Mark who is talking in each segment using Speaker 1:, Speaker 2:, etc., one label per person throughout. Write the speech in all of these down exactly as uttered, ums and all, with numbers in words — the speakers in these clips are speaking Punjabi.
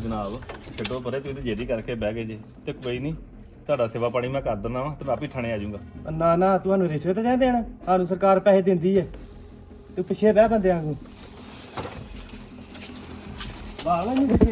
Speaker 1: ਜਨਾਬ ਛੱਡੋ ਪਰੇ, ਤੁਸੀਂ ਤੇ ਜੇਦੀ ਕਰਕੇ ਬਹਿ ਗਏ ਜੇ ਤੇ ਕੋਈ ਨਹੀਂ, ਤੁਹਾਡਾ ਸੇਵਾ ਪਾਣੀ ਮੈਂ ਕਰ ਦਿੰਦਾ ਵਾ ਤੇ ਮੈਂ ਆਪੇ ਥਾਣੇ ਆ ਜਾਊਂਗਾ।
Speaker 2: ਨਾ ਨਾ ਤੁਹਾਨੂੰ ਰਿਸ਼ਵਤ ਜਾਂ ਦੇਣਾ, ਸਾਨੂੰ ਸਰਕਾਰ ਪੈਸੇ ਦਿੰਦੀ ਹੈ, ਤੂੰ ਪਿੱਛੇ ਬਹਿ ਬੰਦਿਆਂ ਨੂੰ ਬਾਹਲਾ ਨਹੀਂ ਪਿੱਛੇ।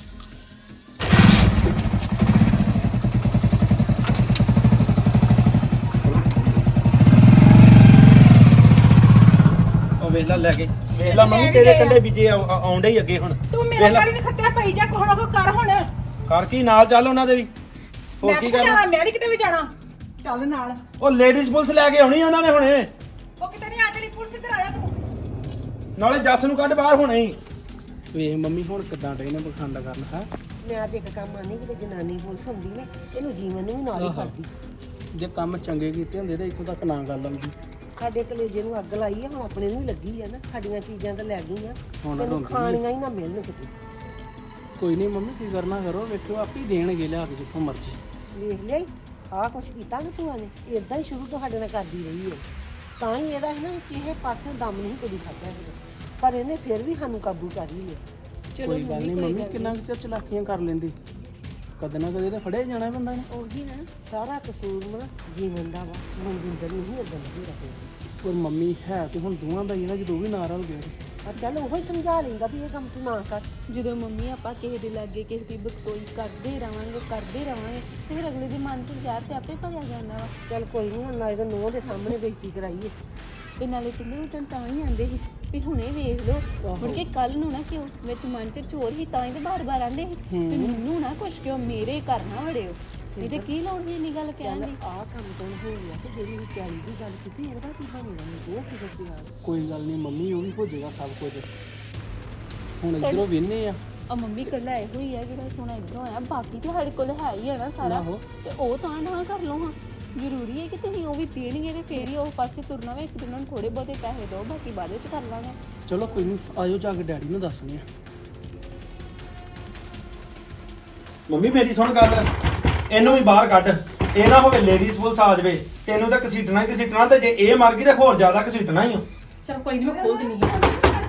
Speaker 3: ਉਹ ਵੇਖ ਲੈ ਲੈ ਕੇ ਵੇਖ ਲੈ ਮੰਮੀ ਤੇਰੇ ਕੰਡੇ ਬੀਜੇ ਆਉਂਦੇ ਹੀ ਅੱਗੇ ਹੁਣ।
Speaker 4: ਤੂੰ ਮੇਰੇ ਗਾੜੀ ਨੇ ਖੱਤਿਆ ਪਈ ਜਾ, ਕੋਹਣਾ ਕੋ ਕਰ ਹੁਣ।
Speaker 3: ਕਰ ਕੀ ਨਾਲ ਚੱਲ ਉਹਨਾਂ ਦੇ ਵੀ, ਹੋਰ
Speaker 4: ਮੈਂ
Speaker 3: ਕੀ
Speaker 4: ਕਿੱਥੇ
Speaker 3: ਕਰਨਾ।
Speaker 4: ਜਾਣਾ, ਮੈਂ ਨੀ ਕਿਤੇ ਵੀ ਜਾਣਾ, ਚੱਲ ਨਾਲ।
Speaker 3: ਉਹ ਲੇਡੀਜ਼ ਪੁਲਿਸ ਲੈ ਕੇ ਆਉਣੀ ਉਹਨਾਂ ਨੇ ਹੁਣੇ,
Speaker 4: ਉਹ ਕਿਤੇ ਨਹੀਂ ਆ ਚਲੀ, ਪੁਲਿਸ ਇੱਧਰ ਆ ਜਾ ਤੂੰ।
Speaker 3: ਨਾਲੇ ਜੱਸ ਨੂੰ ਕੱਢ ਬਾਹਰ ਹੁਣੇ ਹੀ।
Speaker 2: ਵੇਖ ਮੰਮੀ ਹੁਣ ਕਿੱਦਾਂ ਡੇ ਨੇ ਬਖੰਡ ਕਰਨ ਹੈ।
Speaker 5: ਮੈਂ ਤੇ ਇੱਕ ਕੰਮ ਆਨੀ ਕਿ ਜਨਾਨੀ ਪੁਲਿਸ ਹੁੰਦੀ ਨੇ, ਇਹਨੂੰ ਜੀਵਨ ਨੂੰ ਵੀ ਨਾਲ ਹੀ ਕਰਦੀ।
Speaker 2: ਜੇ ਕੰਮ ਚੰਗੇ ਕੀਤੇ ਹੁੰਦੇ ਤਾਂ ਇੱਥੋਂ ਤੱਕ ਨਾ ਗੱਲ ਆਉਂਦੀ।
Speaker 5: ਸਾਡੇ ਕਲੇਜੇ ਨੂੰ ਅੱਗ ਲਾਈ ਆ, ਹੁਣ ਆਪਣੇ ਨੂੰ ਵੀ ਲੱਗੀ ਆ ਨਾ। ਸਾਡੀਆਂ ਚੀਜ਼ਾਂ ਤਾਂ ਲੈ ਗਈਆਂ,
Speaker 2: ਹੁਣ
Speaker 5: ਤੈਨੂੰ
Speaker 2: ਰੋਂਦੀ
Speaker 5: ਖਾਣੀਆਂ ਹੀ ਨਾ ਮਿਲਣ ਕਿਤੇ।
Speaker 2: ਕੋਈ ਨਹੀਂ ਮੰਮੀ ਕੀ ਕਰਨਾ ਕਰੋ, ਵੇਖਿਓ ਆਪੇ ਹੀ ਦੇਣਗੇ ਲਿਆ ਕੇ ਜਿੱਥੋਂ ਮਰਜ਼ੀ।
Speaker 5: ਵੇਖ ਲਿਆ ਆਹ ਕੁਛ ਕੀਤਾ ਨਾ ਭੂਆ ਨੇ, ਇਦਾਂ ਹੀ ਸ਼ੁਰੂ ਤੋਂ ਸਾਡੇ ਨਾਲ ਕਰਦੀ ਰਹੀ ਹੈ। ਤਾਂ ਹੀ ਇਹਦਾ ਹੈ ਨਾ ਕਿਸੇ ਪਾਸੇ ਦਮ ਨਹੀਂ ਕਦੀ ਖਾਧਾ ਹੈਗਾ, ਪਰ ਇਹਨੇ ਫਿਰ ਵੀ ਸਾਨੂੰ ਕਾਬੂ ਕਰ ਹੀ ਲਿਆ।
Speaker 2: ਕੋਈ ਗੱਲ ਨਹੀਂ ਮੰਮੀ, ਕਿੰਨਾ ਕੁ ਚਿਰ ਚਲਾਕੀਆਂ ਕਰ ਲੈਂਦੀ, ਕਦੇ ਨਾ ਕਦੇ ਤਾਂ ਫੜਿਆ ਹੀ ਜਾਣਾ ਬੰਦਾ ਨੇ।
Speaker 5: ਉਹੀ ਨਾ ਸਾਰਾ ਕਸੂਰ ਨਾ ਜੀਵਨ ਦਾ ਵਾ, ਮਨਜਿੰਦਰ ਨੂੰ ਹੀ ਇਦਾਂ ਨਹੀਂ ਰੱਖਿਆ।
Speaker 2: ਪਰ ਮੰਮੀ ਹੈ ਤੇ ਹੁਣ ਦੋਵਾਂ ਦਾ ਹੀ ਨਾ, ਜਦੋਂ ਵੀ ਨਾ ਰਲ ਗਿਆ
Speaker 5: ਪਰ ਚੱਲ ਉਹ ਹੀ ਸਮਝਾ ਲੈਂਦਾ ਵੀ ਇਹ ਕੰਮ ਤੂੰ ਨਾ ਕਰ।
Speaker 6: ਜਦੋਂ ਮੰਮੀ ਆਪਾਂ ਕਿਸੇ ਦੇ ਲਾਗੇ ਕਿਸੇ ਦੀ ਬਕਤੋਈ ਕਰਦੇ ਰਵਾਂਗੇ ਕਰਦੇ ਰਵਾਂਗੇ ਤੇ ਫਿਰ ਅਗਲੇ ਦੇ ਮਨ 'ਚ ਜ਼ਹਿਰ ਤੇ ਆਪੇ ਭਰਿਆ ਜਾਂਦਾ ਵਾ।
Speaker 5: ਚੱਲ ਕੋਈ ਨਹੀਂ, ਹੁਣ ਨਾਲੇ ਤਾਂ ਨੂੰਹ ਦੇ ਸਾਹਮਣੇ ਬੇਇੱਜ਼ਤੀ ਕਰਾਈਏ।
Speaker 6: ਤੇ ਨਾਲੇ ਪਿੰਡੋਂ ਵੀ ਤਾਂ ਹੀ ਆਂਦੇ ਸੀ ਵੀ ਹੁਣੇ ਵੇਖ ਲਓ, ਮੁੜ ਕੇ ਕੱਲ ਨੂੰ ਨਾ ਕਿਉਂ ਵਿੱਚ ਮਨ 'ਚ ਚੋਰ ਹੀ ਤਾਂ ਹੀ ਤੇ ਬਾਰ-ਬਾਰ ਆਂਦੇ ਸੀ ਵੀ ਮੈਨੂੰ ਨਾ ਕੁਛ ਕਿਉਂ ਮੇਰੇ ਘਰ ਨਾ ਵੜਿਓ। ਇਹ ਤੇ ਕੀ ਲੋੜ ਨਹੀਂ ਗੱਲ ਕਹਿਣ ਦੀ।
Speaker 5: ਆਹ ਕੰਮ ਤੋਂ ਹੋ ਗਿਆ ਤੇ ਜਿਹੜੀ ਵਿਚਾਰੀ ਦੀ ਗੱਲ ਕੀਤੀ ਉਹਦਾ ਕੀ ਬਣੇਗਾ, ਮੈਨੂੰ ਉਹ ਕੀ ਦੱਸਿਆ।
Speaker 2: ਕੋਈ ਗੱਲ ਨਹੀਂ ਮੰਮੀ, ਉਹ ਵੀ ਹੋ ਜਾਏਗਾ ਸਭ ਕੁਝ। ਹੁਣ ਇੱਧਰੋਂ ਵਿਹਨੇ ਆ।
Speaker 6: ਆ ਮੰਮੀ ਕੱਲਾ ਇਹੋ ਹੀ ਆ ਜਿਹੜਾ ਸੋਨਾ ਇੱਧਰੋਂ ਆਇਆ, ਬਾਕੀ ਤੇ ਸਾਡੇ ਕੋਲ ਹੈ ਹੀ ਆ ਨਾ ਸਾਰਾ, ਤੇ ਉਹ ਤਾਂ ਨਾ ਕਰ ਲਓ। ਹਾਂ ਜ਼ਰੂਰੀ ਹੈ ਕਿ ਤੁਸੀਂ ਉਹ ਵੀ ਦੇਣਗੇ ਤੇ ਫੇਰ ਹੀ ਉਹ ਪਾਸੇ ਤੁਰਨਾ ਵੇ। ਇੱਕ ਦਿਨ ਨੂੰ ਥੋੜੇ ਬਹੁਤੇ ਪੈਸੇ ਦਿਓ, ਬਾਕੀ ਬਾਅਦ ਵਿੱਚ ਕਰ ਲਾਂਗੇ।
Speaker 2: ਚਲੋ ਕੋਈ ਨਹੀਂ, ਆਜੋ ਜਾ ਕੇ ਡੈਡੀ ਨੂੰ ਦੱਸਣੇ ਆ।
Speaker 3: ਮੰਮੀ ਮੇਰੀ ਸੁਣ ਗੱਲ, ਇਹਨੂੰ ਵੀ ਬਾਹਰ ਕੱਢ। ਇਹ ਨਾ ਹੋਵੇ ਲੇਡੀਜ਼ ਪੁਲਿਸ ਆ ਜਾਵੇ, ਤੈਨੂੰ ਤਾਂ ਘਸੀਟਣਾ ਹੀ ਘਸੀਟਣਾ, ਤੇ ਜੇ ਇਹ ਮਰ ਗਈ ਤੇ ਹੋਰ ਜ਼ਿਆਦਾ ਘਸੀਟਣਾ ਹੀ ਆ।
Speaker 4: ਚਲ ਕੋਈ ਨਹੀਂ, ਮੈਂ ਖੋਲ ਦਿੰਨੀ ਆ।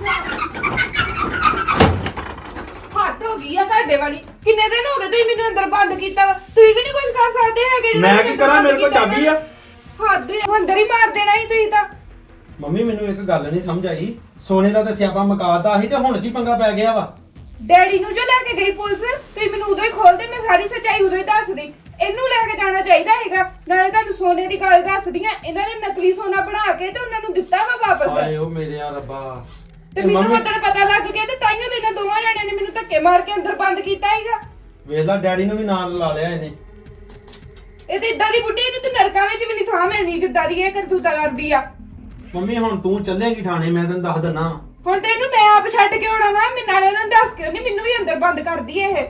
Speaker 4: ਹੱਦ ਹੋ ਗਈ ਆ ਤੁਹਾਡੇ ਵਾਲੀ। ਕਿੰਨੇ ਦਿਨ ਹੋ ਗਏ ਤੁਸੀਂ ਮੈਨੂੰ ਅੰਦਰ ਬੰਦ ਕੀਤਾ ਵਾ, ਤੁਸੀਂ ਵੀ ਨਹੀਂ ਕੁਝ ਕਰ ਸਕਦੇ ਹੈਗੇ। ਜਿਹੜਾ
Speaker 3: ਮੈਂ ਕੀ ਕਰਾਂ, ਮੇਰੇ ਕੋਲ ਚਾਬੀ ਆ।
Speaker 4: ਹੱਦ ਆ, ਅੰਦਰ ਹੀ ਮਾਰ ਦੇਣਾ ਸੀ ਤੁਸੀਂ ਤਾਂ।
Speaker 3: ਮੰਮੀ ਮੈਨੂੰ ਇੱਕ ਗੱਲ ਨਹੀਂ ਸਮਝ ਆਈ, ਸੋਨੇ ਦਾ ਤਾਂ ਸਿਆਪਾ ਮੁਕਾਤਾ ਸੀ ਤੇ ਹੁਣ ਕੀ ਪੰਗਾ ਪੈ ਗਿਆ ਵਾ।
Speaker 4: ਡੈਡੀ ਨੂੰ ਜੋ ਲੈ ਕੇ ਗਈ ਪੁਲਿਸ, ਤੁਸੀਂ ਮੈਨੂੰ ਉਦੋਂ ਹੀ ਖੋਲਦੇ, ਮੈਂ ਸਾਰੀ ਸੱਚਾਈ ਉਦੋਂ ਹੀ ਦੱਸਦੀ। ਇਹਨੂੰ ਲੈ ਕੇ ਜਾਣਾ ਚਾਹੀਦਾ ਹੈਗਾ। ਨਾਲੇ ਤੁਹਾਨੂੰ ਸੋਨੇ ਦੀ ਗੱਲ ਦੱਸਦੀਆਂ, ਇਹਨਾਂ ਨੇ ਨਕਲੀ ਸੋਨਾ ਬਣਾ ਕੇ ਤੇ ਉਹਨਾਂ ਨੂੰ ਦਿੱਤਾ ਵਾ ਵਾਪਸ।
Speaker 3: ਹਾਏ ਓ ਮੇਰੇ ਆ ਰੱਬਾ।
Speaker 4: ਤੇ ਮੈਨੂੰ ਉਦੋਂ ਪਤਾ ਲੱਗ ਗਿਆ ਤੇ ਤਾਈਓ ਤੇ ਇਹਨਾਂ ਦੋਵਾਂ ਜਣਿਆਂ ਨੇ ਮੈਨੂੰ ਧੱਕੇ ਮਾਰ ਕੇ ਅੰਦਰ ਬੰਦ ਕੀਤਾ ਹੈਗਾ।
Speaker 3: ਵੇਖ ਲੈ ਡੈਡੀ ਨੂੰ ਵੀ ਨਾਲ ਲਾ ਲਿਆ ਇਹਨੇ।
Speaker 4: ਇਹ ਤੇ ਇਦਾਂ ਦੀ ਬੁੱਢੀ, ਇਹਨੂੰ ਤੇ ਨਰਕਾਂ ਵਿੱਚ ਵੀ ਨਹੀਂ ਥਾਂ ਮਿਲਣੀ ਜਿੱਦਾਂ ਦੀ ਇਹ ਕਰਤੂਤਾ ਕਰਦੀ ਆ।
Speaker 3: ਮੰਮੀ ਹੁਣ ਤੂੰ ਚੱਲੇਂਗੀ ਥਾਣੇ, ਮੈਂ ਤੈਨੂੰ ਦੱਸ ਦਿੰਨਾ।
Speaker 4: ਹੁਣ ਤੇ ਇਹਨੂੰ ਮੈਂ ਆਪ ਛੱਡ ਕੇ ਆਉਣਾ ਵਾ, ਮੈਂ ਨਾਲੇ ਉਹਨਾਂ ਨੂੰ ਦੱਸ ਕੇ ਉਹਨੇ ਮੈਨੂੰ ਵੀ ਅੰਦਰ ਬੰਦ ਕਰਦੀ ਇਹ।